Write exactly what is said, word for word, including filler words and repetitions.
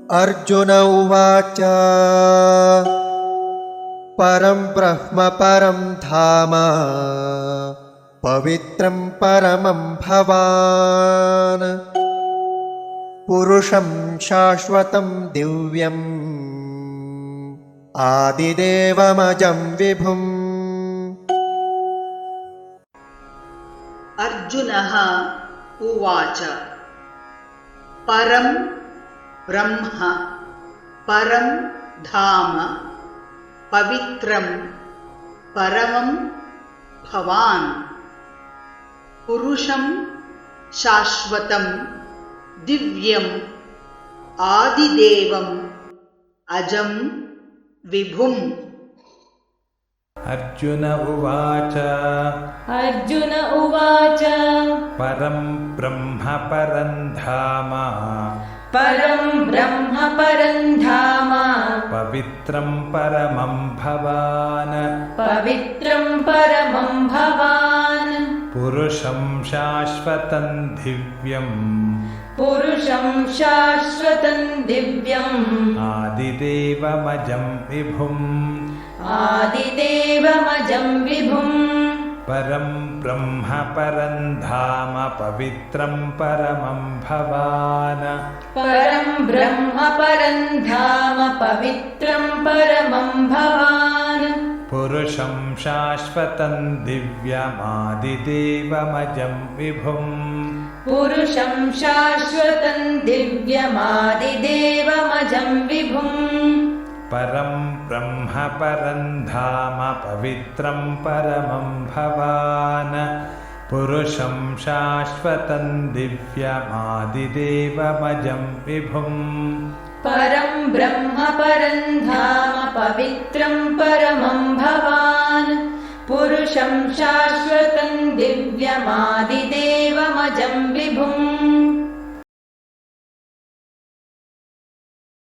अर्जुन उवाच परं ब्रह्म परं धाम पवित्रं परमं भवान् पुरुषं शाश्वतं दिव्यम् आदिदेवमजं विभुम्। अर्जुनः उवाच परं ब्रह्म परं धाम पवित्रं परमं भवान् पुरुषं शाश्वतं दिव्यम् आदिदेवम् अजं विभुम्। अर्जुन उवाच अर्जुन उवाच परं ब्रह्म परं धाम परं ब्रह्म परं धाम पवित्रं परमं भवान् पवित्रं परमं भवान् पुरुषं शाश्वतं दिव्यम् पुरुषं शाश्वतं दिव्यम् आदिदेवमजं विभुम् आदिदेवमजं विभुम्। परं ब्रह्म परं धाम पवित्रं परमं भवान् परं ब्रह्म परं धाम पवित्रं परमं भवान् पुरुषं शाश्वतं दिव्यमादिदेवमजं विभुम् पुरुषं शाश्वतं दिव्यमादिदेवमजं विभुम्। परं ब्रह्म परं धाम पवित्रं परमं भवान् पुरुषं शाश्वतं दिव्यमादिदेवमजं विभुम् परं ब्रह्म परं धाम पवित्रं परमं भवान् पुरुषं शाश्वतं दिव्यमादिदेवमजं विभुम्।